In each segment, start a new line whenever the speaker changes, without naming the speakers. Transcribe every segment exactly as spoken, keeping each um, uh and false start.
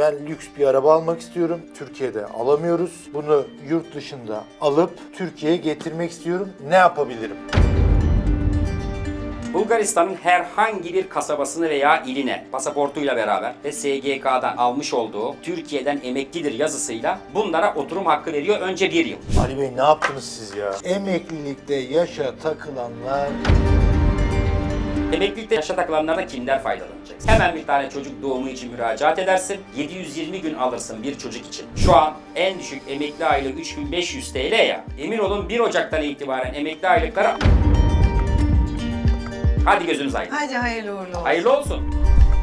Ben lüks bir araba almak istiyorum. Türkiye'de alamıyoruz. Bunu yurt dışında alıp Türkiye'ye getirmek istiyorum. Ne yapabilirim?
Bulgaristan'ın herhangi bir kasabasını veya iline pasaportuyla beraber ve S G K'dan almış olduğu Türkiye'den emeklidir yazısıyla bunlara oturum hakkı veriyor önce bir yıl.
Ali Bey ne yaptınız siz ya? Emeklilikte yaşa takılanlar...
Emeklilikte yaşa takılanlardan kimler faydalanacak? Hemen bir tane çocuk doğumu için müracaat edersin. yedi yüz yirmi gün alırsın bir çocuk için. Şu an en düşük emekli aylığı üç bin beş yüz T L ya. Emin olun bir Ocak'tan itibaren emekli aylıkları... Hadi gözünüz aydın.
Hadi hayırlı uğurlu olsun.
Hayırlı olsun.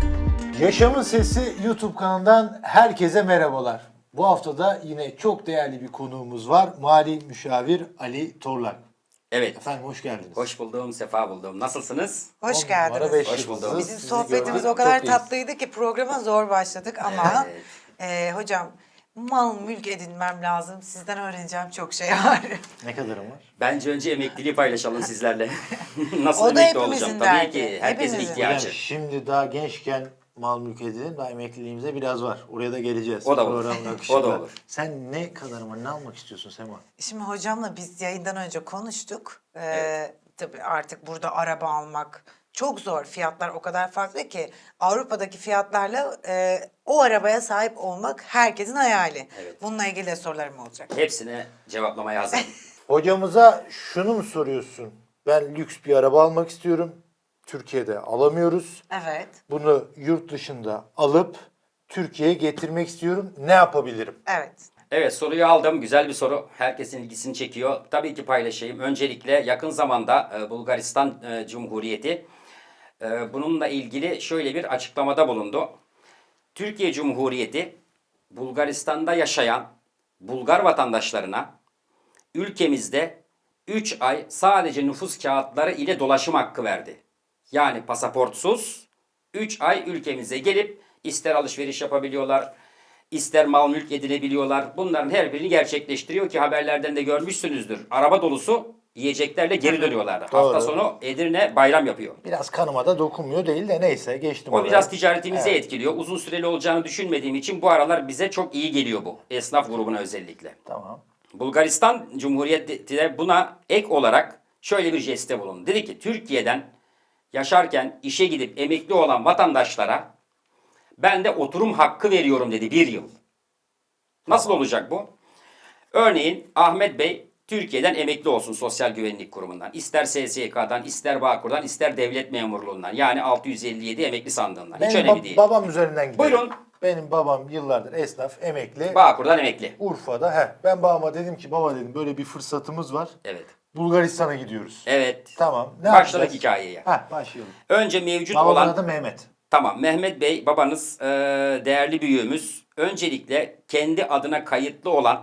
Yaşamın Sesi YouTube kanalından herkese merhabalar. Bu hafta da yine çok değerli bir konuğumuz var. Mali Müşavir Ali Torlak.
Evet.
Efendim hoş geldiniz.
Hoş buldum, sefa buldum. Nasılsınız?
Hoş
On numara
geldiniz.
beş
Hoş
yıldızız.
bulduk.
Bizim
Sizi
sohbetimiz
gördük,
o kadar
çok iyiyiz.
tatlıydı ki programa zor başladık ama
Evet.
e, hocam mal mülk edinmem lazım. Sizden öğreneceğim çok şey var.
Ne kadarım var?
Bence önce emekliliği paylaşalım sizlerle. Nasıl
O da
emekli
hepimizin
olacağım? Tabii
derdi.
ki. Herkesin
Hepimizin.
ihtiyacı.
Yani şimdi daha gençken mal mülk edelim, daha emekliliğimize biraz var. Oraya da geleceğiz.
O da olur.
Programın
O
akışında.
da olur.
Sen ne kadar mı, ne almak istiyorsun Sema?
Şimdi hocamla biz yayından önce konuştuk. Ee,
Evet.
Tabii artık burada araba almak çok zor. Fiyatlar o kadar farklı ki Avrupa'daki fiyatlarla e, o arabaya sahip olmak herkesin hayali.
Evet.
Bununla ilgili de sorularım olacak.
Hepsine cevaplamaya hazırım.
Hocamıza şunu mu soruyorsun? Ben lüks bir araba almak istiyorum. Türkiye'de alamıyoruz.
Evet.
Bunu yurt dışında alıp Türkiye'ye getirmek istiyorum. Ne yapabilirim?
Evet.
Evet, soruyu aldım. Güzel bir soru. Herkesin ilgisini çekiyor. Tabii ki paylaşayım. Öncelikle yakın zamanda e, Bulgaristan e, Cumhuriyeti e, bununla ilgili şöyle bir açıklamada bulundu. Türkiye Cumhuriyeti Bulgaristan'da yaşayan Bulgar vatandaşlarına ülkemizde üç ay sadece nüfus kağıtları ile dolaşım hakkı verdi. Yani pasaportsuz üç ay ülkemize gelip ister alışveriş yapabiliyorlar, ister mal mülk edinebiliyorlar. Bunların her birini gerçekleştiriyor ki haberlerden de görmüşsünüzdür. Araba dolusu yiyeceklerle geri dönüyorlar. Hafta
Doğru.
sonu Edirne bayram yapıyor.
Biraz kanıma da dokunmuyor değil de neyse geçtim
O
oraya.
biraz ticaretimizi
Evet.
etkiliyor. Uzun süreli olacağını düşünmediğim için bu aralar bize çok iyi geliyor bu. Esnaf grubuna özellikle.
Tamam.
Bulgaristan Cumhuriyeti de buna ek olarak şöyle bir jeste bulundu. Dedi ki Türkiye'den yaşarken işe gidip emekli olan vatandaşlara ben de oturum hakkı veriyorum dedi bir yıl. Nasıl olacak bu? Örneğin Ahmet Bey Türkiye'den emekli olsun Sosyal Güvenlik Kurumu'ndan. İster S S K'dan, ister Bağkur'dan, ister devlet memurluğundan. Yani altı yüz elli yedi emekli sandığından. Hiç
Benim
önemli
ba-
değil.
babam üzerinden gidelim.
Buyurun.
Benim babam yıllardır esnaf, emekli.
Bağkur'dan emekli.
Urfa'da. He. Ben babama dedim ki baba dedim böyle bir fırsatımız var.
Evet.
Bulgaristan'a gidiyoruz.
Evet.
Tamam. Ne
Başladık
yapacağız?
hikayeye.
Heh, başlayalım.
Önce mevcut
Babamın
olan...
adı Mehmet.
Tamam, Mehmet Bey babanız e, değerli büyüğümüz. Öncelikle kendi adına kayıtlı olan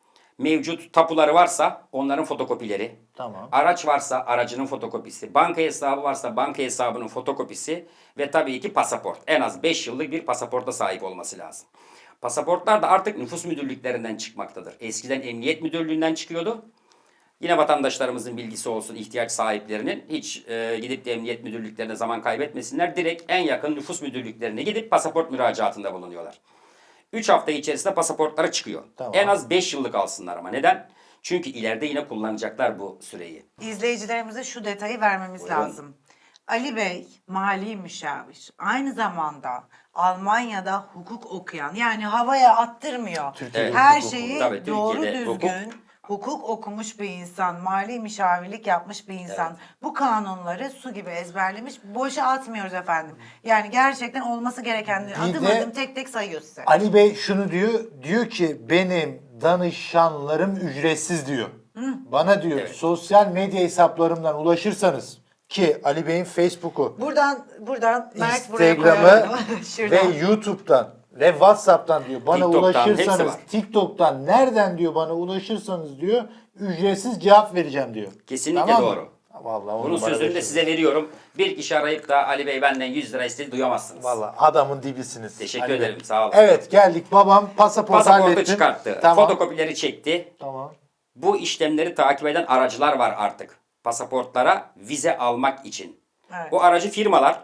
mevcut tapuları varsa onların fotokopileri.
Tamam.
Araç varsa aracının fotokopisi. Banka hesabı varsa banka hesabının fotokopisi. Ve tabii ki pasaport. En az beş yıllık bir pasaporta sahip olması lazım. Pasaportlar da artık nüfus müdürlüklerinden çıkmaktadır. Eskiden emniyet müdürlüğünden çıkıyordu. Yine vatandaşlarımızın bilgisi olsun, ihtiyaç sahiplerinin hiç e, gidip de emniyet müdürlüklerine zaman kaybetmesinler. Direkt en yakın nüfus müdürlüklerine gidip pasaport müracaatında bulunuyorlar. üç hafta içerisinde pasaportları çıkıyor.
Tamam.
En az beş yıllık alsınlar ama. Neden? Çünkü ileride yine kullanacaklar bu süreyi.
İzleyicilerimize şu detayı vermemiz
Buyurun.
lazım. Ali Bey mali müşavir. Aynı zamanda Almanya'da hukuk okuyan, yani havaya attırmıyor.
Türkiye'de
Her
hukuk
şeyi
okudu. Tabii,
doğru
Türkiye'de
düzgün hukuk. okumuş bir insan, mali müşavirlik yapmış bir insan. Bu kanunları su gibi ezberlemiş. Boşa atmıyoruz efendim. Yani gerçekten olması gerekenleri
Bir
adım
de-
adım tek tek sayıyor size.
Ali Bey şunu diyor. Diyor ki benim danışanlarım ücretsiz diyor. Bana diyor
Evet.
sosyal medya hesaplarımdan ulaşırsanız ki Ali Bey'in Facebook'u,
Buradan buradan Mert buraya
Instagram'ı
koyalım.
ve
Şuradan.
YouTube'dan ve WhatsApp'tan diyor bana
TikTok'tan, hepsi
ulaşırsanız,
var.
TikTok'tan nereden diyor bana ulaşırsanız diyor ücretsiz cevap vereceğim diyor.
Kesinlikle
Tamam mı?
doğru.
Vallahi on
Bunun
numara
sözünü de
beş
size veriyorum. Bir kişi arayıp da Ali Bey benden yüz lira istedi duyamazsınız.
Vallahi adamın dibisiniz.
Teşekkür
Ali Bey.
ederim, sağ olun.
Evet geldik babam pasaport
Pasaportu
hallettim.
çıkarttı.
Tamam.
Fotokopileri çekti.
Tamam.
Bu işlemleri takip eden aracılar var artık. Pasaportlara vize almak için.
Evet.
Bu aracı firmalar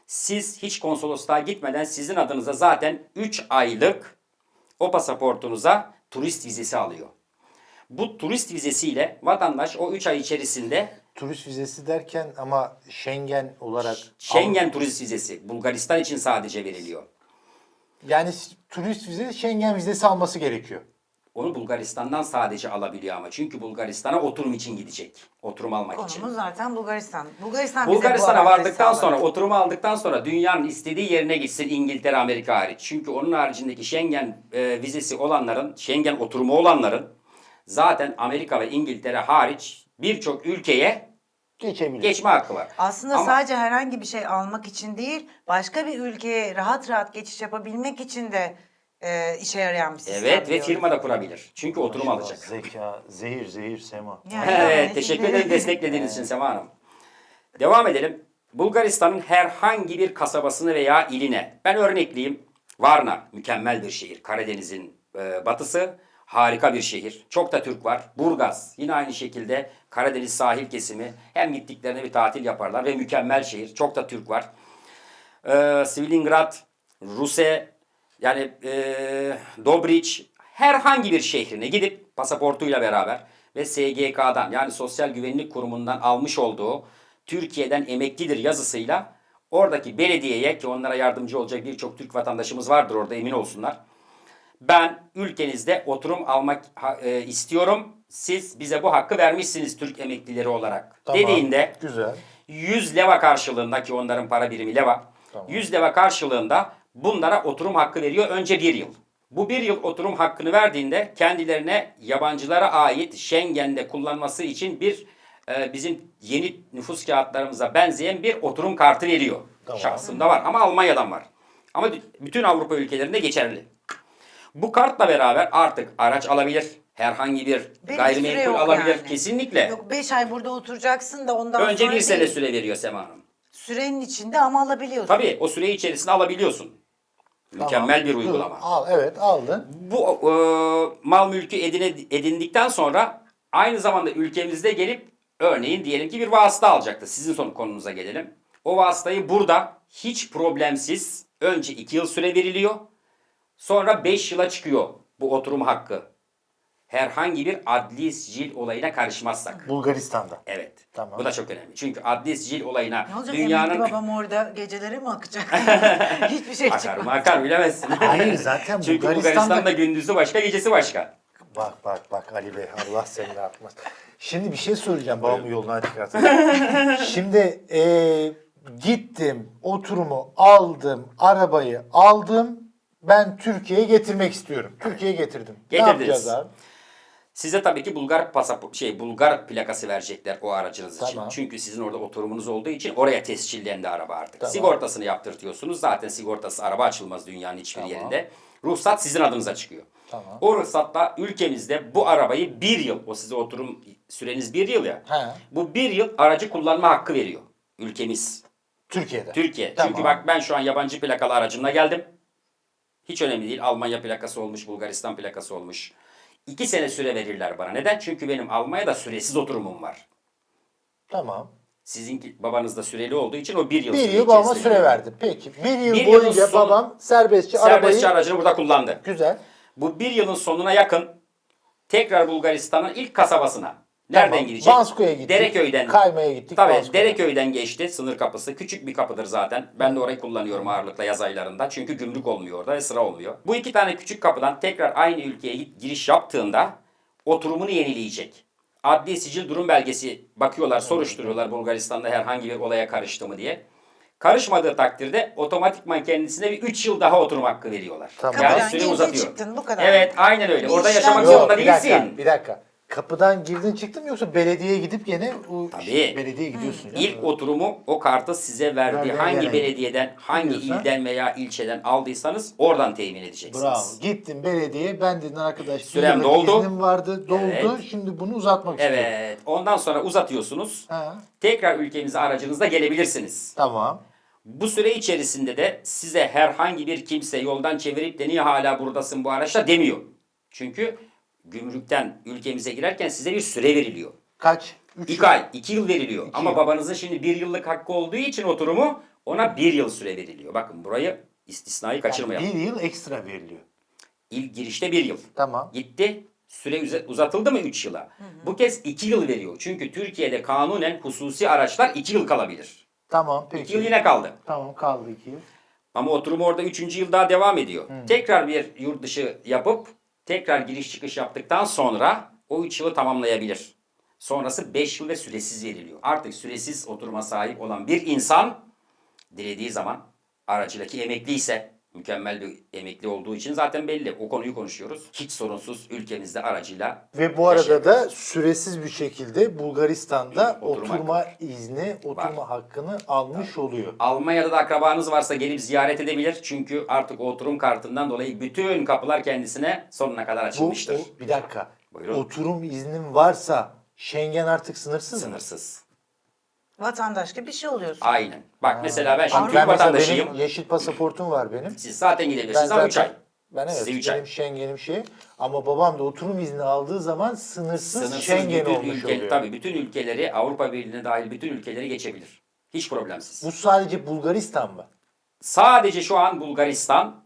Siz hiç konsolosluğa gitmeden sizin adınıza zaten üç aylık o pasaportunuza turist vizesi alıyor. Bu turist vizesiyle vatandaş o üç ay içerisinde
Turist vizesi derken ama Schengen olarak
Schengen turist vizesi Bulgaristan için sadece veriliyor.
yani turist vizesi Schengen vizesi alması gerekiyor.
Onu Bulgaristan'dan sadece alabiliyor ama. Çünkü Bulgaristan'a oturum için gidecek. Oturum almak için.
Konumuz zaten Bulgaristan. Bulgaristan bize bu
Bulgaristan'a
avantajı
vardıktan
sağladı.
sonra, oturumu aldıktan sonra dünyanın istediği yerine gitsin, İngiltere, Amerika hariç. Çünkü onun haricindeki Schengen e, vizesi olanların, Schengen oturumu olanların zaten Amerika ve İngiltere hariç birçok ülkeye
Geçebilir.
geçme hakkı var.
Aslında
Ama
sadece herhangi bir şey almak için değil, başka bir ülkeye rahat rahat geçiş yapabilmek için de e, işe yarayan bir sistem.
evet ve
diyorum.
firma da kurabilir. Çünkü oturum
Maşallah,
alacak.
Zeka, zehir, zehir, sema.
Yani
Evet,
yani
teşekkür
şimdi-
ederim desteklediğiniz için Sema Hanım. Devam edelim. Bulgaristan'ın herhangi bir kasabasını veya iline, ben örnekleyeyim. Varna, mükemmel bir şehir. Karadeniz'in e, batısı, harika bir şehir. Çok da Türk var. Burgaz, yine aynı şekilde Karadeniz sahil kesimi. Hem gittiklerinde bir tatil yaparlar ve mükemmel şehir. Çok da Türk var. E, Svilingrad, Ruse, yani e, Dobriç, herhangi bir şehrine gidip pasaportuyla beraber ve S G K'dan yani Sosyal Güvenlik Kurumu'ndan almış olduğu Türkiye'den emeklidir yazısıyla oradaki belediyeye, ki onlara yardımcı olacak birçok Türk vatandaşımız vardır orada, emin olsunlar. Ben ülkenizde oturum almak ha- e, istiyorum. Siz bize bu hakkı vermişsiniz Türk emeklileri olarak.
Tamam,
Dediğinde
güzel.
yüz leva karşılığında, ki onların para birimi leva.
Tamam.
yüz leva karşılığında bunlara oturum hakkı veriyor önce bir yıl. Bu bir yıl oturum hakkını verdiğinde kendilerine yabancılara ait Schengen'de kullanması için bir e, bizim yeni nüfus kağıtlarımıza benzeyen bir oturum kartı veriyor.
Tamam.
Şahsımda var ama Almanya'dan var. Ama bütün Avrupa ülkelerinde geçerli. Bu kartla beraber artık araç alabilir. Herhangi bir
Ve bir süre
gayrimenkul
yok
alabilir.
yani.
Kesinlikle.
Yok beş ay burada oturacaksın da ondan
Önce
sonra
bir sene
değil.
süre veriyor Sema Hanım.
Sürenin içinde ama alabiliyorsun.
Tabii o süre içerisinde alabiliyorsun. Mükemmel
Tamam.
bir
Dur,
uygulama.
Al, evet aldın.
Bu e, mal mülkü edine, edindikten sonra aynı zamanda ülkemizde gelip örneğin diyelim ki bir vasıta alacaktı. Sizin son konunuza gelelim. O vasıtayı burada hiç problemsiz önce iki yıl süre veriliyor. Sonra beş yıla çıkıyor bu oturum hakkı. Herhangi bir adli sicil olayına karışmazsak.
Bulgaristan'da.
Evet.
Tamam.
Bu da çok önemli. Çünkü adli sicil olayına
Ne olacak,
dünyanın...
emekli babam orada geceleri mi akacak? Hiçbir şey
Akar
çıkmaz.
mı akar bilemezsin.
Hayır, zaten
Çünkü
Bulgaristan'da-
Bulgaristan'da gündüzü başka, gecesi başka.
Bak bak bak Ali Bey, Allah seni ne yapmaz. Şimdi bir şey soracağım, babamı yoldan çıkartın. Şimdi eee, gittim, oturumu aldım, arabayı aldım. Ben Türkiye'ye getirmek istiyorum. Türkiye'ye getirdim. Ne
Getirdiniz.
yapacağız abi?
Size tabii ki Bulgar pasaport şey Bulgar plakası verecekler o aracınız için.
Tamam.
Çünkü sizin orada oturumunuz olduğu için oraya tescillendi araba artık.
Tamam.
Sigortasını yaptırtıyorsunuz. Zaten sigortası araba açılmaz dünyanın hiçbir
Tamam.
yerinde. Ruhsat sizin adınıza çıkıyor.
Tamam.
O ruhsatla ülkemizde bu arabayı bir yıl, o size oturum süreniz bir yıl ya.
He.
Bu bir yıl aracı kullanma hakkı veriyor ülkemiz.
Türkiye'de.
Türkiye.
Tamam.
Çünkü bak ben şu an yabancı plakalı aracımla geldim. Hiç önemli değil. Almanya plakası olmuş, Bulgaristan plakası olmuş. İki sene süre verirler bana. Neden? Çünkü benim Almanya'da süresiz oturumum var.
Tamam.
Sizinki babanızda süreli olduğu için o bir yıl
Bir
süre
yıl babama
içerisinde
süre
veriyor.
verdi. Peki. Bir yıl
Bir yılın
boyunca
sonu-
babam serbestçe,
Serbestçe
arabayı...
aracını burada kullandı.
Güzel.
Bu bir yılın sonuna yakın tekrar Bulgaristan'ın ilk kasabasına. Nereden
Tamam.
gidecek?
Bansko'ya gittik.
Dereköy'den.
Kayma'ya gittik.
Tabii
Bansko'ya.
Dereköy'den geçti sınır kapısı. Küçük bir kapıdır zaten. Ben de orayı kullanıyorum ağırlıkla yaz aylarında. Çünkü gümrük olmuyor orada ve sıra olmuyor. Bu iki tane küçük kapıdan tekrar aynı ülkeye giriş yaptığında oturumunu yenileyecek. Adli sicil durum belgesi bakıyorlar, soruşturuyorlar Bulgaristan'da herhangi bir olaya karıştı mı diye. Karışmadığı takdirde otomatikman kendisine bir üç yıl daha oturum hakkı veriyorlar.
Tamam.
Yani
Kapıdan
süre
girdin,
uzatıyor.
çıktın, bu kadar.
Evet, aynen öyle.
Bir
Orada
işlem
yaşamak
yok.
zorunda
bir dakika,
değilsin.
bir dakika. Kapıdan girdin çıktın mı yoksa belediyeye gidip gene o
Tabii.
şey, belediyeye gidiyorsun. ya.
İlk oturumu o kartı size verdiği
Verdiği
hangi
yere
belediyeden, hangi
gidiyorsan-
ilden veya ilçeden aldıysanız oradan temin edeceksiniz.
Bravo. Gittin belediyeye, ben dedin arkadaş bir
Sürem
yıllık
doldu.
iznim vardı, doldu.
Evet.
Şimdi bunu uzatmak istiyorum.
Evet. Ondan sonra uzatıyorsunuz.
Ha,
Tekrar ülkemize aracınızla gelebilirsiniz.
tamam.
Bu süre içerisinde de size herhangi bir kimse yoldan çevirip de niye hala buradasın bu araçla demiyor. Çünkü gümrükten ülkemize girerken size bir süre veriliyor.
Kaç? Üç
İki ay, iki yıl veriliyor.
İki
Ama
yıl.
babanızın şimdi bir yıllık hakkı olduğu için oturumu Ona bir yıl süre veriliyor. Bakın burayı istisnayı kaçırmayalım.
Bir yıl ekstra veriliyor.
İlk girişte bir yıl.
Tamam.
Gitti. Süre uza- uzatıldı mı üç yıla? Bu kez iki yıl veriyor. Çünkü Türkiye'de kanunen hususi araçlar iki yıl kalabilir.
Tamam peki.
iki yıl yine kaldı.
Tamam kaldı iki yıl.
Ama oturum orada üçüncü yıl daha devam ediyor. Tekrar bir yurt dışı yapıp tekrar giriş çıkış yaptıktan sonra o üç yılı tamamlayabilir. Sonrası beş yıl ve süresiz veriliyor. Artık süresiz oturuma sahip olan bir insan dilediği zaman aracıdaki emekli ise, mükemmel bir emekli olduğu için zaten belli. O konuyu konuşuyoruz. Hiç sorunsuz ülkemizde aracıyla
Ve bu arada
yaşayabilir.
da süresiz bir şekilde Bulgaristan'da
Oturma
oturma izni, oturma hakkını almış oluyor.
Almanya'da da akrabanız varsa gelip ziyaret edebilir. Çünkü artık o oturum kartından dolayı bütün kapılar kendisine sonuna kadar
Bu,
açılmıştır.
o- bir dakika.
Buyurun.
Oturum iznin varsa Schengen artık sınırsız mı?
Sınırsız.
Vatandaş gibi bir şey oluyorsun.
Aynen. Bak mesela ben şimdi
Ben
Türk
mesela
vatandaşıyım.
benim yeşil pasaportum var benim.
Siz zaten
Ben
gidebilirsiniz ama üç ay.
Ben evet
Size üç ay.
benim Schengen'im şey ama babam da oturum izni aldığı zaman sınırsız,
Sınırsız
Schengen
bütün
olmuş
ülke,
oluyor.
tabii bütün ülkeleri, Avrupa Birliği'ne dahil bütün ülkeleri geçebilir. Hiç problemsiz.
Bu sadece Bulgaristan mı?
Sadece şu an Bulgaristan,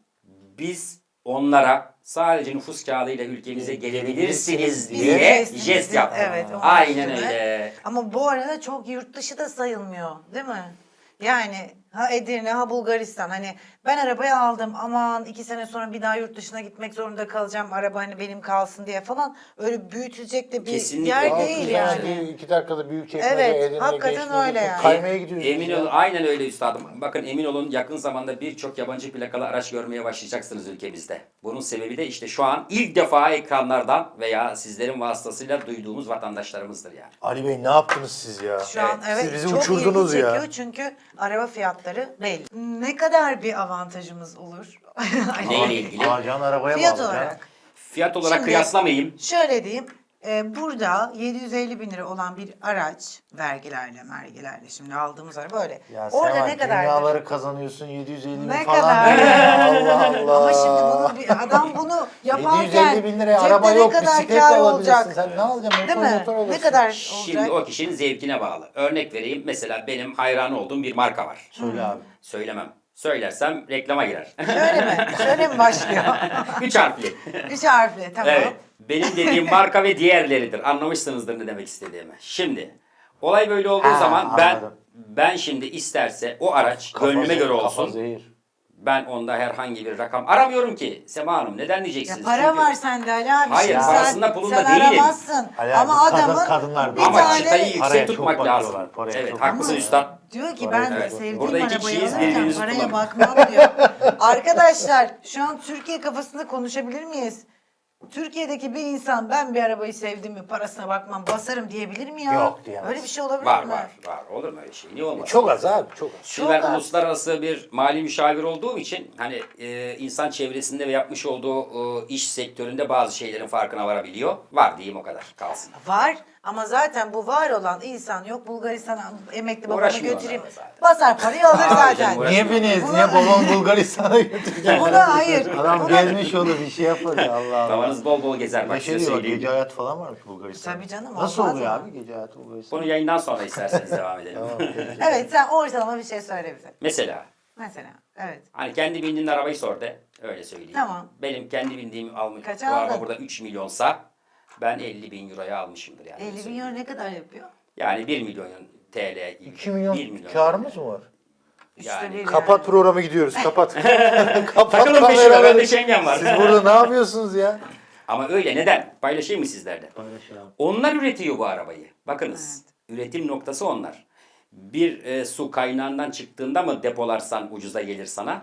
biz onlara sadece nüfus kağıdıyla ülkemize gelebilirsiniz
diye
diye
Gelebilirsiniz
jest
diye,
yaptı.
evet, onun
Aynen
üstüne.
öyle.
Ama bu arada çok yurt dışı da sayılmıyor, değil mi? Yani ha Edirne ha Bulgaristan, hani ben arabayı aldım aman iki sene sonra bir daha yurt dışına gitmek zorunda kalacağım, araba hani benim kalsın diye falan, öyle büyütecek de bir
Kesinlikle.
yer
Aa,
değil
güzel,
yani.
bir iki dakikada büyük çekmece,
Evet,
Edirne,
hakikaten
geçmece,
öyle yani.
Kaymaya gidiyoruz.
Emin
biz ya.
olun, aynen öyle üstadım. Bakın emin olun, yakın zamanda birçok yabancı plakalı araç görmeye başlayacaksınız ülkemizde. Bunun sebebi de işte şu an ilk defa ekranlardan veya sizlerin vasıtasıyla duyduğumuz vatandaşlarımızdır yani.
Ali Bey ne yaptınız siz ya?
Şu an
Evet,
evet
siz bizi
çok
uçurdunuz
ilgi
ya.
çekiyor çünkü araba fiyatları belli. Ne kadar bir avantajımız olur?
Neyle ilgili?
Alacağın arabaya
Fiyat
bağlı ya.
olarak.
Fiyat olarak
Şimdi-
kıyaslamayayım.
Şöyle diyeyim. e, burada yedi yüz elli bin lira olan bir araç vergilerle mergilerle şimdi aldığımız araba böyle.
Ya
Orada
Seval,
ne kadar?
dünyaları kazanıyorsun yedi yüz elli bin
Ne
falan.
kadar?
Ya, Allah Allah.
Ama şimdi bunu bir adam bunu yaparken
yedi yüz elli bin liraya
cepte
araba
ne
yok,
kadar
bisiklet
kâr
alabilirsin.
olacak?
Sen ne alacaksın?
Değil
Motor
mi?
motor alırsın.
Ne kadar
Şimdi
olacak?
o kişinin zevkine bağlı. Örnek vereyim. Mesela benim hayran olduğum bir marka var.
Söyle abi.
Söylemem. Söylersem reklama girer.
Şöyle mi? Şöyle mi başlıyor?
Üç harfli.
Üç harfli tamam.
Evet. Benim dediğim marka ve diğerleridir. Anlamışsınızdır ne demek istediğimi. Şimdi olay böyle olduğu
Ha,
zaman ben
anladım.
ben şimdi isterse o araç
Kafa
gönlüme
zehir,
göre
kafa
olsun.
zehir.
Ben onda herhangi bir rakam aramıyorum ki. Sema Hanım neden
Ya
diyeceksiniz?
para
Çünkü-
var sende Ali abi.
Hayır,
Şimdi
parasında
sen,
pulunda
sen
değilim.
aramazsın.
Ali
Ama
abi, kadın-
adamın
kadınlar
bir
bir
Ama
tane
çıtayı yüksek
Paraya çok
tutmak
bakıyorlar,
lazım.
paraya
Evet
çok
haklısın
bakıyorlar.
üstad.
diyor ki
Paraya
ben
Evet.
sevdiğim
Burada iki
arabayı
kişiyiz,
alırken
birbirinizi
paraya
kullanın.
bakmam diyor. Arkadaşlar şu an Türkiye kafasında konuşabilir miyiz? Türkiye'deki bir insan ben bir arabayı sevdim mi parasına bakmam basarım diyebilir mi ya?
Yok, diyemez.
Öyle bir şey olabilir
Var
mi?
var var. Olur mu öyle şey? Niye olmaz?
Çok az abi çok az.
Şimdi ben
Çok az.
uluslararası bir mali müşavir olduğum için hani e, insan çevresinde ve yapmış olduğu e, iş sektöründe bazı şeylerin farkına varabiliyor. Var diyeyim o kadar kalsın.
Var ama zaten bu var olan insan yok Bulgaristan'a emekli babamı
Uğraşmıyor
götüreyim.
onlarla zaten.
Basar parayı alır
Abi
zaten.
canım, uğraş-
Niye beni ez?
Buna-
Niye babam Bulgaristan'a götürecek?
Buna hayır.
Adam
Buna-
gezmiş olur bir şey yapar ya Allah Allah.
Davanız bol bol gezer
Bir
bak
de şey
size
diyor,
söyleyeyim.
gece hayatı falan varmış Bulgaristan'da.
Tabii canım,
Nasıl
olmaz
oluyor
mı?
abi gece hayatı Bulgaristan'da?
Bunu yayından sonra isterseniz devam edelim.
Tamam, peki.
Evet sen ortalama bir şey söyle bize.
Mesela
Mesela evet.
hani kendi bindiğin arabayı sor de öyle söyleyeyim.
Tamam.
Benim kendi bindiğim almış
Kaça
bu araba
aldın?
burada üç milyonsa ben elli bin euroya almışımdır yani.
elli bin euro ne kadar yapıyor?
Yani bir milyon T L.
iki milyon,
bir milyon
karımız mı var?
Üçte
Yani-
bir
Kapat programı gidiyoruz kapat. Kapat
Takılın peşime
kameraları.
bende Schengen var.
Siz burada ne yapıyorsunuz ya?
Ama öyle neden? Paylaşayım mı sizlerle?
Paylaşalım.
Onlar üretiyor bu arabayı. Bakınız. Üretim noktası onlar. Bir e, su kaynağından çıktığında mı depolarsan ucuza gelir sana?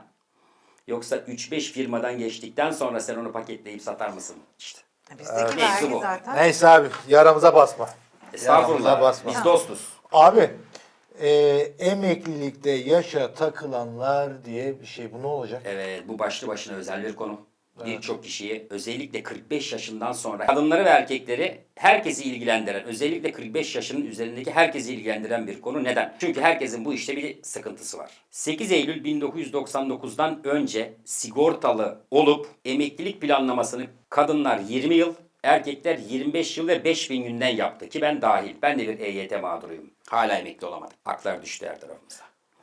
Yoksa üç beş firmadan geçtikten sonra sen onu paketleyip satar mısın? İşte.
Bizdeki
Evet.
vergi
Mevzu bu.
zaten.
Neyse abi yaramıza basma.
Estağfurullah.
Yaramıza basma.
Biz dostuz.
Abi e, emeklilikte yaşa takılanlar diye bir şey bu ne olacak?
Evet, bu başlı başına özel bir konu. Birçok kişiyi özellikle kırk beş yaşından sonra kadınları ve erkekleri herkesi ilgilendiren, özellikle kırk beş yaşının üzerindeki herkesi ilgilendiren bir konu. Neden? Çünkü herkesin bu işte bir sıkıntısı var. sekiz Eylül bin dokuz yüz doksan dokuzdan önce sigortalı olup emeklilik planlamasını kadınlar yirmi yıl, erkekler yirmi beş yıl ve beş bin günden yaptı ki ben dahil. Ben de bir E Y T mağduruyum. Hala emekli olamadım. Haklar düştü her tarafımıza.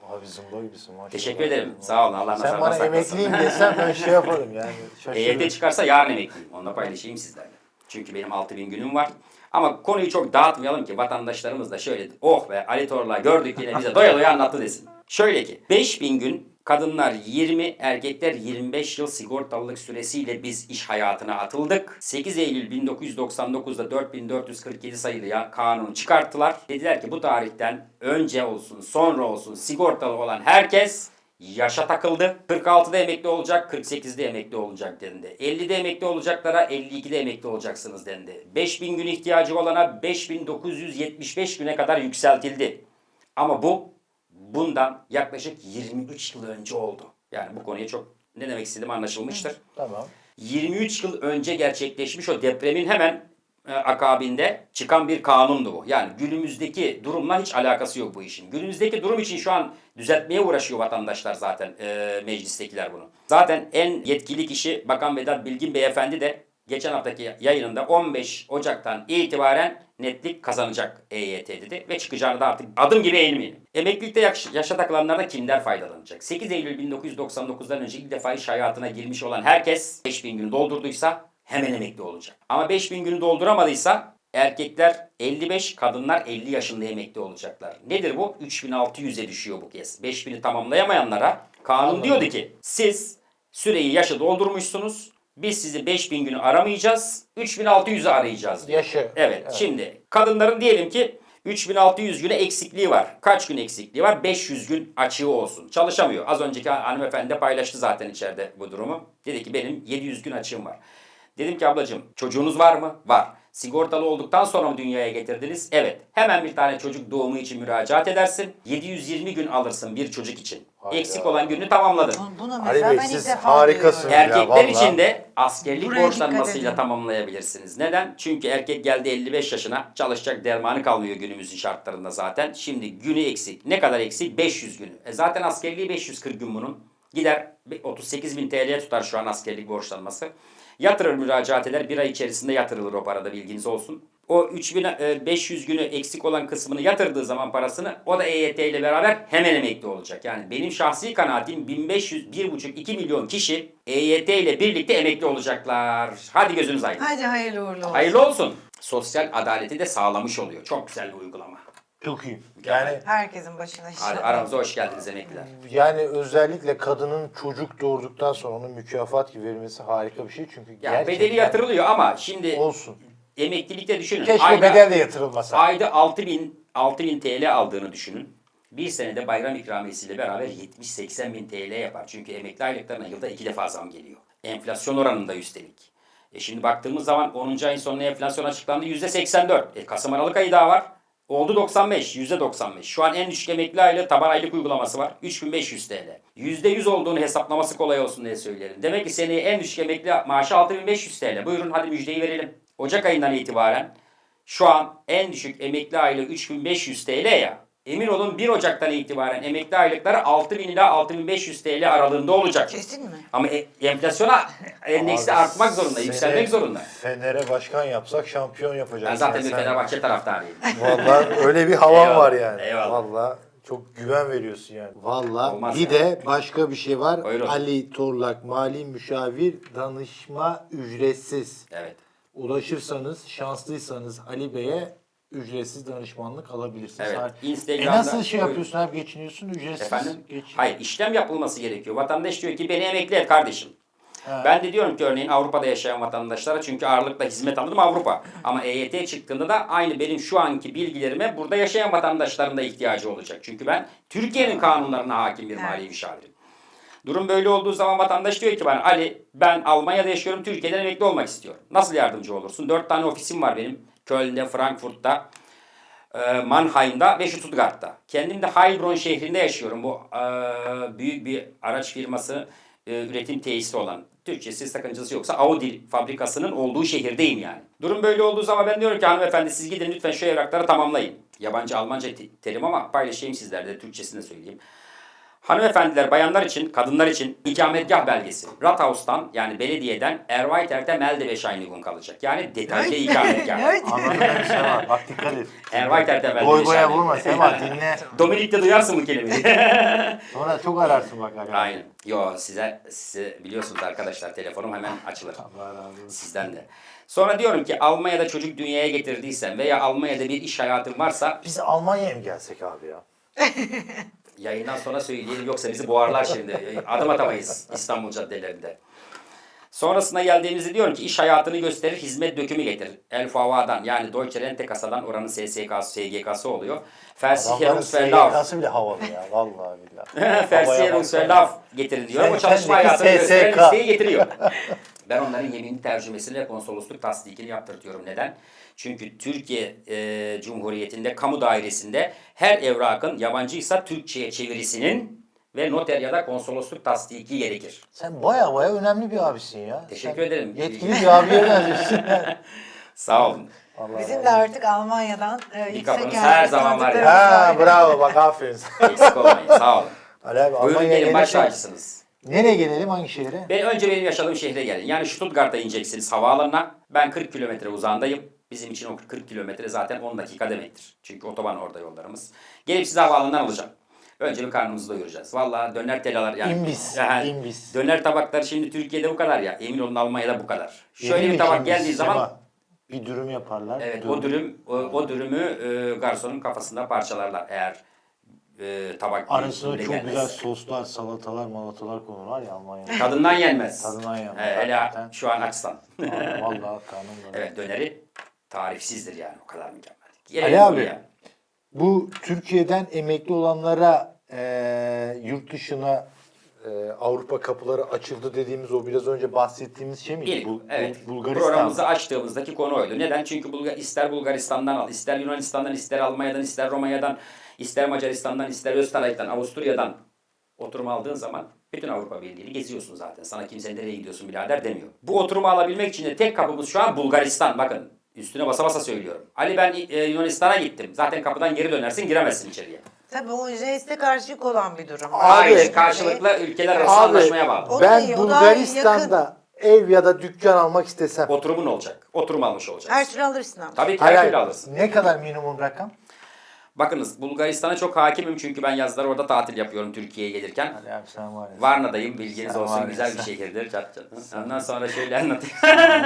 Abi zımba gibisin maşallah.
Teşekkür ederim. Sağ olun. Allah nazardan
Sen bana
saklasın.
emekliyim desem ben şey yaparım yani.
E Y T
Şaşırırım.
çıkarsa yarın emekliyim. Onu da paylaşayım sizlerle. Çünkü benim altı bin günüm var. Ama konuyu çok dağıtmayalım ki vatandaşlarımız da şöyle oh be Ali Torla gördük yine bize doya doya anlattı desin. Şöyle ki beş bin gün kadınlar yirmi, erkekler yirmi beş yıl sigortalılık süresiyle biz iş hayatına atıldık. sekiz Eylül bin dokuz yüz doksan dokuz'da dört bin dört yüz kırk yedi sayılı ya kanunu çıkarttılar. Dediler ki bu tarihten önce olsun sonra olsun sigortalı olan herkes yaşa takıldı. kırk altıda emekli olacak, kırk sekizde emekli olacak dendi. ellide emekli olacaklara elli ikide emekli olacaksınız dendi. beş bin gün ihtiyacı olana beş bin dokuz yüz yetmiş beş güne kadar yükseltildi. Ama bu bundan yaklaşık yirmi üç yıl önce oldu. Yani bu konuya çok ne demek istediğim anlaşılmıştır.
Tamam.
yirmi üç yıl önce gerçekleşmiş o depremin hemen e, akabinde çıkan bir kanundu bu. Yani günümüzdeki durumla hiç alakası yok bu işin. Günümüzdeki durum için şu an düzeltmeye uğraşıyor vatandaşlar zaten e, meclistekiler bunu. Zaten en yetkili kişi Bakan Vedat Bilgin Beyefendi de geçen haftaki yayınında on beş Ocak'tan itibaren netlik kazanacak E Y T dedi ve çıkacağını da artık adım gibi eğilmeyin. Emeklilikte yaş- yaşa takılanlardan kimler faydalanacak? sekiz Eylül bin dokuz yüz doksan dokuz'dan önce ilk defa iş hayatına girmiş olan herkes beş bin günü doldurduysa hemen emekli olacak. Ama beş bin günü dolduramadıysa erkekler elli beş, kadınlar elli yaşında emekli olacaklar. Nedir bu? üç bin altı yüz'e düşüyor bu kez. beş bin'i tamamlayamayanlara kanun diyordu ki siz süreyi yaşı doldurmuşsunuz. Biz sizi beş bin günü aramayacağız. üç bin altı yüz'ü arayacağız diyor.
Yaşı.
Evet,
Evet.
şimdi kadınların diyelim ki üç bin altı yüz güne eksikliği var. Kaç gün eksikliği var? beş yüz gün açığı olsun. Çalışamıyor. Az önceki hanımefendi de paylaştı zaten içeride bu durumu. Dedi ki benim yedi yüz gün açığım var. Dedim ki ablacığım çocuğunuz var mı? Var. Sigortalı olduktan sonra mı dünyaya getirdiniz? Evet. Hemen bir tane çocuk doğumu için müracaat edersin. yedi yüz yirmi gün alırsın bir çocuk için.
Hayda.
Eksik olan gününü tamamladın.
Bunu
Ali
mesela
Bey,
ben
siz
ilk defa
harikasınız.
duyuyorum.
Ya,
Erkekler
vallahi.
için de askerlik
Buraya dikkat
borçlanmasıyla
edin.
tamamlayabilirsiniz. Neden? Çünkü erkek geldi elli beş yaşına çalışacak dermanı kalmıyor günümüzün şartlarında zaten. Şimdi günü eksik. Ne kadar eksik? beş yüz günü. E zaten askerliği beş yüz kırk gün bunun. Gider otuz sekiz bin T L'ye tutar şu an askerlik borçlanması. Yatırır müracaat eder. Bir ay içerisinde yatırılır o parada bilginiz olsun. O üç bin beş yüz günü eksik olan kısmını yatırdığı zaman parasını o da E Y T ile beraber hemen emekli olacak. Yani benim şahsi kanaatim bin beş yüz, bir buçuk iki milyon kişi E Y T ile birlikte emekli olacaklar. Hadi gözünüz aydın.
Hadi hayırlı uğurlu olsun.
Hayırlı olsun. Sosyal adaleti de sağlamış oluyor. Çok güzel bir uygulama.
Çok iyi. Yani
Herkesin başına
Hadi
inşallah.
aramıza hoş geldiniz emekliler.
yani özellikle kadının çocuk doğurduktan sonra onun mükafat gibi verilmesi harika bir şey çünkü
Yani
gerçekten
bedeli yatırılıyor ama şimdi
olsun.
emeklilikte düşünün.
Keşke
Ayda-
bedel de yatırılmasa.
Ayda altı bin, altı bin T L aldığını düşünün. Bir senede bayram ikramiyesiyle beraber yetmiş seksen bin T L yapar. Çünkü emekli aylıklarına yılda iki defa zam geliyor. Enflasyon oranında üstelik. E şimdi baktığımız zaman onuncu ayın sonuna enflasyon açıklandı yüzde seksen dört. E Kasım Aralık ayı daha var. Oldu doksan beş, yüzde doksan beş. Şu an en düşük emekli aylığı taban aylık uygulaması var. üç bin beş yüz T L. yüzde yüz olduğunu hesaplaması kolay olsun diye söyleyelim. Demek ki seneye en düşük emekli maaşı altı bin beş yüz T L. Buyurun hadi müjdeyi verelim. Ocak ayından itibaren şu an en düşük emekli aylığı üç bin beş yüz T L ya. Emin olun bir Ocak'tan itibaren emekli aylıkları altı bin ila altı bin beş yüz T L aralığında olacak.
Kesin mi?
Ama e- enflasyona endeksi
Abi,
artmak zorunda,
seni
yükselmek zorunda.
Fener'e başkan yapsak şampiyon yapacak.
Ben zaten bir
Sen-
Fenerbahçe taraftarıyım.
Vallahi öyle bir havan
Eyvallah,
var yani.
eyvallah.
Vallahi çok güven veriyorsun yani. Vallahi
Olmaz
bir
ya.
de başka bir şey var.
Buyurun.
Ali Torlak Mali Müşavir danışma ücretsiz.
Evet.
Ulaşırsanız, şanslıysanız Ali Bey'e ücretsiz danışmanlık alabilirsiniz.
Evet,
Hayır.
Instagram'da-
E nasıl şey
Buyurun.
yapıyorsun abi geçiniyorsun ücretsiz?
Efendim?
Geç.
Hayır, işlem yapılması gerekiyor. Vatandaş diyor ki beni emekli et kardeşim.
Ha.
Ben de diyorum ki örneğin Avrupa'da yaşayan vatandaşlara çünkü ağırlıkla hizmet alırım Avrupa. Ama E Y T çıktığında da aynı benim şu anki bilgilerime burada yaşayan vatandaşların da ihtiyacı olacak. Çünkü ben Türkiye'nin kanunlarına hakim bir mali
Evet.
müşavirim. Durum böyle olduğu zaman vatandaş diyor ki bana Ali ben Almanya'da yaşıyorum Türkiye'den emekli olmak istiyorum. Nasıl yardımcı olursun? Dört tane ofisim var benim. Köln'de, Frankfurt'ta, e, Mannheim'da ve Stuttgart'ta. Kendim de Heilbronn şehrinde yaşıyorum. Bu e, büyük bir araç firması e, üretim tesisi olan. Türkçesi sakıncası yoksa Audi fabrikasının olduğu şehirdeyim yani. Durum böyle olduğu zaman ben diyorum ki hanımefendi siz gidin lütfen şu evrakları tamamlayın. Yabancı Almanca te- terim ama paylaşayım sizlerle de Türkçesini de söyleyeyim. Hanımefendiler, bayanlar için, kadınlar için ikametgah belgesi. Rathaus'tan yani belediyeden Erweiterte Meldebescheinigung kalacak. Yani detaylı ikametgah.
Anladın mı bir şey var. Bak dikkat et.
Erweiterte
Boy boya
Meldebescheinigung.
vurma Sema dinle.
Dominik de duyarsın bu kelimeyi.
Sonra çok ararsın bak. Aga.
Aynen. Yo size, size biliyorsunuz arkadaşlar telefonum hemen açılır.
Allah razı olsun.
Sizden de. Sonra diyorum ki Almanya'da çocuk dünyaya getirdiysen veya Almanya'da bir iş hayatın varsa
Biz Almanya'ya mı gelsek abi ya?
yayından sonra söyleyelim yoksa bizi boğarlar şimdi. Adım atamayız İstanbul caddelerinde. Sonrasında geldiğimizde diyorum ki iş hayatını gösterir, hizmet dökümü getir. El Fava'dan yani Deutsche Rente Kasa'dan oranın S S K'sı, S G K'sı oluyor.
Adamların
Versicherungsverlauf.
S G K'sı bile havalı ya. Vallahi billahi.
Versicherungsverlauf getirin diyorum.
Sen
O çalışma
kendiki
hayatını
S S
gösteren
K.
listeyi getiriyor. Ben onların yeminli tercümesini ve konsolosluk tasdikini yaptırtıyorum. Neden? Çünkü Türkiye e, Cumhuriyeti'nde kamu dairesinde her evrakın yabancıysa Türkçe'ye çevirisinin ve noter ya da konsolosluk tasdiki gerekir.
Sen baya baya önemli bir abisin ya.
Teşekkür
Sen
ederim.
Yetkili bir abiye benziyorsun.
Sağ olun.
Allah
Bizim
Allah.
de artık Almanya'dan e, yüksek
kapınız
yerli
her zaman var ya.
tanıdıklarımız
Ha bravo bak aferin.
Eksik olmayın. Sağ olun.
Ali abi
Buyurun
Almanya'ya
gelin baş
gelirsek-
tacısınız.
Nereye gelelim hangi şehre?
Ben önce benim yaşadığım şehre gelin. Yani Stuttgart'a ineceksiniz havaalanına. Ben kırk kilometre uzağındayım. Bizim için o kırk kilometre zaten on dakika demektir. Çünkü otoban orada yollarımız. Gelip sizi havaalanından alacağım. Önce bir karnımızı doyuracağız. Vallahi döner telalar yani.
İmbis,
Yani
imbis.
Döner tabakları şimdi Türkiye'de bu kadar ya. Emin olun Almanya'da bu kadar. Şöyle
Yemin
bir tabak
için
geldiği
biz,
zaman
Sema, bir dürüm yaparlar.
evet o dürüm o, o dürümü e, garsonun kafasında parçalarlar eğer e, tabak
Arasına
büyüklüğünde
çok
gelmez.
güzel soslar, salatalar, malatalar konur var ya Almanya'da.
Tadından yenmez.
Tadından yenmez,
He, hele
hakikaten.
şu an açsan.
Vallahi karnım var.
Evet döneri tarifsizdir yani o kadar mükemmel.
Ali
Gelelim
abi.
buraya.
Bu Türkiye'den emekli olanlara e, yurt dışına e, Avrupa kapıları açıldı dediğimiz o biraz önce bahsettiğimiz şey miydi?
İlk,
Bul-
evet.
Bul- Bulgaristan.
Programımızı açtığımızdaki konu oydu. Neden? Çünkü Bulgar, ister Bulgaristan'dan al, ister Yunanistan'dan, ister Almanya'dan, ister Romanya'dan, ister Macaristan'dan, ister Österreich'ten, Avusturya'dan oturum aldığın zaman bütün Avrupa Birliği'ni geziyorsun zaten. Sana kimse nereye gidiyorsun birader demiyor. Bu oturumu alabilmek için de tek kapımız şu an Bulgaristan. Bakın üstüne basa basa söylüyorum. Ali ben e, Yunanistan'a gittim. Zaten kapıdan geri dönersin giremezsin içeriye.
Tabii o jeste karşılık olan bir durum.
Abi,
Hayır, karşılıklı ülkeler arası anlaşmaya bağlı.
O da
ben
iyi, o daha
Bulgaristan'da ev ya da dükkan almak istesem
Oturumun olacak. Oturum almış
Her
olacaksın.
türlü alırsın ama.
Tabii ki
hayır,
her
hayır,
türlü alırsın.
ne kadar minimum rakam?
Bakınız Bulgaristan'a çok hakimim çünkü ben yazları orada tatil yapıyorum Türkiye'ye gelirken.
Ali abi sen var ya.
Varna'dayım bilginiz
Sen var
olsun
ya,
güzel bir
sen-
şehirdir. Çat çat. Ondan sonra şöyle anlatayım.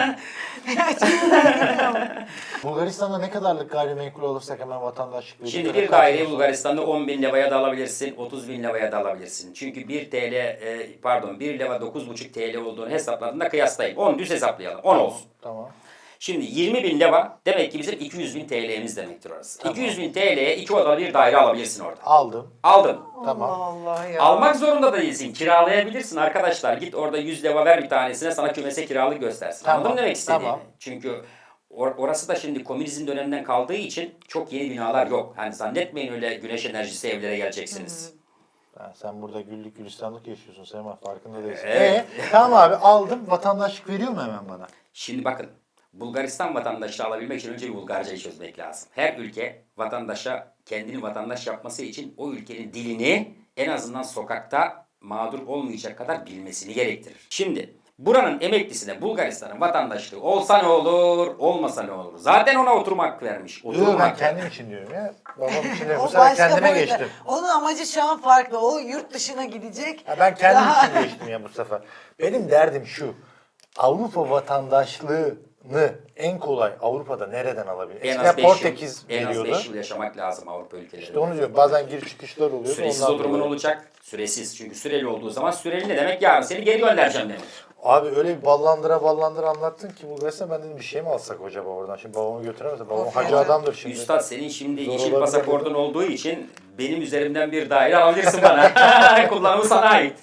Bulgaristan'da ne kadarlık gayrimenkul olursak hemen vatandaşlık veriyor?
Şimdi
Ya da
bir daireyi
kaç-
Bulgaristan'da on bin levaya da alabilirsin, otuz bin levaya da alabilirsin. Çünkü bir T L, e, pardon bir leva dokuz buçuk T L olduğunu hesapladığında kıyaslayayım. on düz hesaplayalım. on olsun.
Tamam.
Şimdi yirmi bin leva demek ki bizim iki yüz bin T L'miz demektir orası. iki yüz bin T L'ye iki odalı bir daire alabilirsin orada.
Aldım.
Aldın.
Tamam.
Allah Allah ya.
Almak zorunda da değilsin. Kiralayabilirsin arkadaşlar. Git orada yüz leva ver bir tanesine sana kümese kiralık göstersin.
Tamam,
Anladın mı demek istediğimi?
tamam.
Çünkü or- orası da şimdi komünizm döneminden kaldığı için çok yeni binalar yok. Hani zannetmeyin öyle güneş enerjisi evlere geleceksiniz.
Ha, sen burada güllük gülistanlık yaşıyorsun Sema farkında değilsin.
Evet.
Ee, tamam abi aldım. Vatandaşlık veriyor mu hemen bana?
Şimdi bakın. Bulgaristan vatandaşlığı alabilmek için önce bir Bulgarcayı çözmek lazım. Her ülke vatandaşa kendini vatandaş yapması için o ülkenin dilini en azından sokakta mağdur olmayacak kadar bilmesini gerektirir. Şimdi buranın emeklisine Bulgaristan'ın vatandaşlığı olsa ne olur, olmasa ne olur? Zaten ona oturma hakkı vermiş. Oturma
Yok ben
hakkı.
kendim için diyorum ya. Babam için de bu
O
sefer
başka
kendime
boyuta.
geçtim.
Onun amacı şu an farklı. O yurt dışına gidecek.
Ya ben kendim
Daha-
için geçtim ya bu sefer. Benim derdim şu. Avrupa vatandaşlığını en kolay Avrupa'da nereden alabilir?
En
Eskiden
az beş yıl,
Portekiz
en az
veriyordu.
beş yıl yaşamak lazım Avrupa ülkelerinde.
İşte onu diyorum. Bazen giriş çıkışlar oluyor.
Süresiz
ondan
oturumun
dolayı.
olacak. Süresiz. Çünkü süreli olduğu zaman süreli ne demek? Yarın seni geri göndereceğim demek.
Abi öyle bir ballandıra ballandıra anlattın ki Bulgaristan ben dedim bir şey mi alsak acaba oradan? Şimdi babamı götüremezse babam
Of
hacı
ya.
adamdır şimdi.
Üstad senin şimdi
Zor
yeşil
olabilir
pasaportun olduğu için benim üzerimden bir daire alabilirsin bana. Kullanımı sana ait.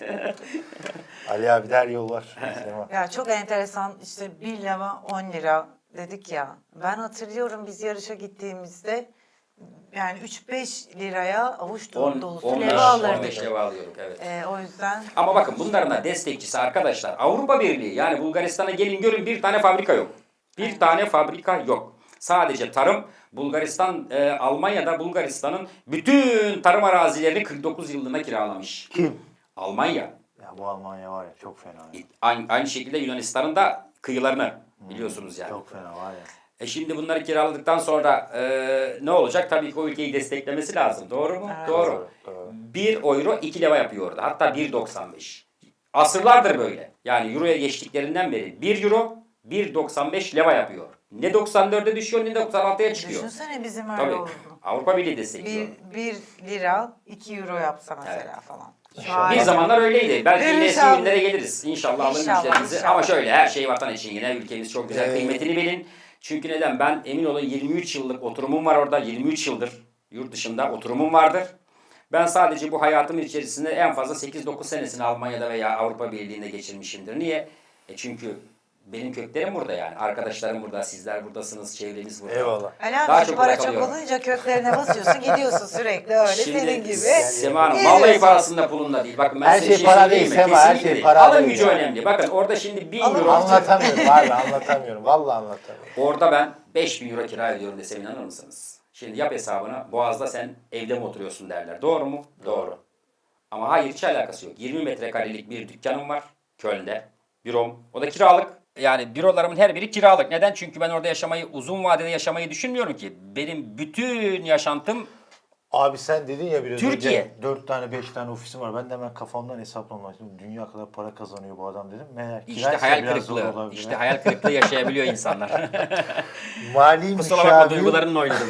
Ali abi der yol var. Sema.
Ya çok enteresan işte bir leva on lira dedik ya. Ben hatırlıyorum biz yarışa gittiğimizde yani üç beş liraya avuç
on,
dolusu
on beş,
leva
on beş
alırdık.
leva alıyorduk evet.
Ee, o yüzden
Ama bakın bunların da destekçisi arkadaşlar Avrupa Birliği yani Bulgaristan'a gelin görün bir tane fabrika yok. Bir tane fabrika yok. Sadece tarım. Bulgaristan, e, Almanya'da Bulgaristan'ın bütün tarım arazilerini kırk dokuz yıllığına kiralamış.
Kim?
Almanya.
Ya bu Almanya var ya çok fena. Ya.
Aynı, aynı şekilde Yunanistan'ın da kıyılarını biliyorsunuz yani.
Çok fena var ya.
E şimdi bunları kiraladıktan sonra e, ne olacak? Tabii ki o ülkeyi desteklemesi lazım. Doğru mu?
Evet.
Doğru.
Doğru, doğru.
bir euro iki leva yapıyor orada. Hatta bir doksan beş. Asırlardır böyle. Yani euroya geçtiklerinden beri bir euro bir doksan beş leva yapıyor. Ne doksan dörde düşüyor ne doksan altıya çıkıyor.
Düşünsene bizim öyle
Tabii.
olduğunu.
Avrupa Birliği destekliyor.
Bir, bir lira iki euro yapsa mesela
Evet.
falan. Şu
İnşallah.
hale
Bir
bak.
zamanlar öyleydi. Belki yine eski
İnşallah.
günlere geliriz. İnşallah alın
İnşallah,
müjdelerinizi.
inşallah.
Ama şöyle her şey vatan için yine ülkemiz çok güzel.
Ee,
Kıymetini bilin. Çünkü neden? Ben emin olun yirmi üç yıllık oturumum var orada. yirmi üç yıldır yurt dışında oturumum vardır. Ben sadece bu hayatım içerisinde en fazla sekiz dokuz senesini Almanya'da veya Avrupa Birliği'nde geçirmişimdir. Niye? E çünkü benim köklerim burada yani. Arkadaşlarım burada, sizler buradasınız, çevreniz burada.
Eyvallah.
Ali
Daha
abi
çok
para
merak
çok
ediyorum.
olunca köklerine basıyorsun gidiyorsun sürekli öyle
Şimdi
senin gibi.
Sema Hanım,
Geliyorsun.
vallahi parasında pulunda değil. Bakın ben
Her
size
şey para
söyleyeyim
değil
mi?
Sema, her
Kesinlikle
şey
değil.
para
Alın
değil
gücü
yani.
önemli. Bakın orada şimdi bin
Alın
euro.
gücü.
Anlatamıyorum. Vallahi anlatamıyorum. Vallahi anlatamıyorum.
Orada ben beş bin euro kira ödüyorum desem inanır mısınız? Şimdi yap hesabını. Boğaz'da sen evde mi oturuyorsun derler. Doğru mu? Doğru. Ama hayır hiç alakası yok. yirmi metrekarelik bir dükkanım var Köln'de. Bürom. O da kiralık. Yani bürolarımın her biri kiralık. Neden? Çünkü ben orada yaşamayı, uzun vadede yaşamayı düşünmüyorum ki. Benim bütün yaşantım
Abi sen dedin ya biraz
Türkiye.
önce dört tane beş tane ofisim var. Ben de hemen kafamdan hesaplamak istedim. Dünya kadar para kazanıyor bu adam dedim. Meğer
işte
kiraysa
hayal
biraz zor
kırıklığı.
olabilir.
İşte hayal kırıklığı yaşayabiliyor insanlar.
Mali
Kusura bakma
müşavir,
duygularımla oynadım.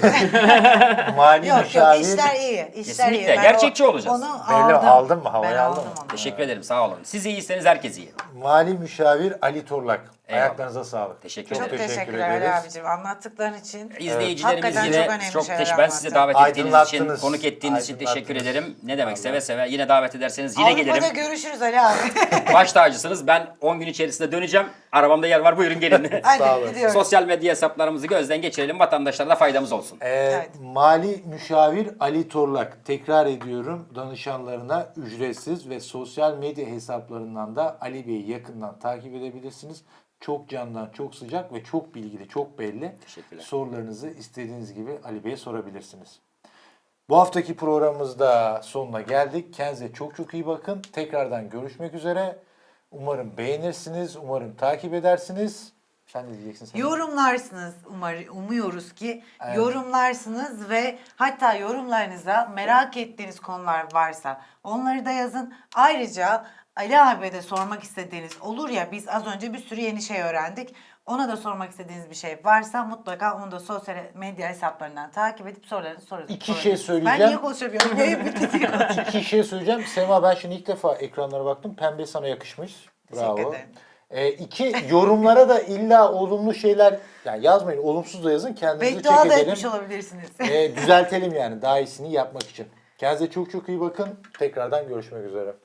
mali
Yok yok
müşavir.
işler iyi. İşler
Kesinlikle,
iyi. Ben
gerçekçi
o-
olacağız.
Onu
Belli,
aldım.
aldın mı? Havayı
Ben
aldın
aldım
mı?
onu.
Teşekkür ederim sağ olun. Siz iyiyseniz herkes iyi.
Mali müşavir Ali Torlak.
Eyvallah.
Ayaklarınıza sağlık.
Teşekkür
Çok
ederim.
teşekkür
teşekkürler Ali
ederiz.
abicim anlattıkların için.
İzleyicilerimiz
Hakikaten
yine
çok önemli
çok
şeyler
teşekkür. Ben size
anlattın.
davet ettiğiniz için,
Aydınlattınız.
konuk ettiğiniz için teşekkür
Aydınlattınız.
ederim. Ne demek seve seve. Yine davet ederseniz yine
Avrupa'da
gelirim.
görüşürüz Ali abi.
Baş tacısınız. Ben on gün içerisinde döneceğim. Arabamda yer var. Buyurun gelin.
Sağ
Hadi
olun.
gidiyoruz.
Sosyal medya hesaplarımızı gözden geçirelim. Vatandaşlara da faydamız olsun.
Ee,
Evet.
Mali müşavir Ali Torlak. Tekrar ediyorum, danışanlarına ücretsiz ve sosyal medya hesaplarından da Ali Bey'i yakından takip edebilirsiniz. Çok candan, çok sıcak ve çok bilgili, çok belli.
Teşekkürler.
Sorularınızı istediğiniz gibi Ali Bey'e sorabilirsiniz. Bu haftaki programımızda sonuna geldik. Kendinize çok çok iyi bakın. Tekrardan görüşmek üzere. Umarım beğenirsiniz, umarım takip edersiniz. Sen ne diyeceksin? Sen?
Yorumlarsınız umar, umuyoruz ki
Evet.
yorumlarsınız ve hatta yorumlarınıza merak ettiğiniz konular varsa onları da yazın. Ayrıca Ali abiye de sormak istediğiniz olur ya biz az önce bir sürü yeni şey öğrendik. Ona da sormak istediğiniz bir şey varsa mutlaka onu da sosyal medya hesaplarından takip edip sorularınızı sorun.
İki
sorun.
şey söyleyeceğim.
Ben niye konuşamıyorum? Yayın bitti diyor.
İki şey söyleyeceğim. Sema ben şimdi ilk defa ekranlara baktım. Pembe sana yakışmış. Bravo.
Teşekkür ederim.
Ee, iki, yorumlara da illa olumlu şeyler yani yazmayın. Olumsuz da yazın. Kendinizi
Beddua
çek
da
edelim.
etmiş olabilirsiniz.
Ee, düzeltelim yani. Daha iyisini yapmak için. Kendinize çok çok iyi bakın. Tekrardan görüşmek üzere.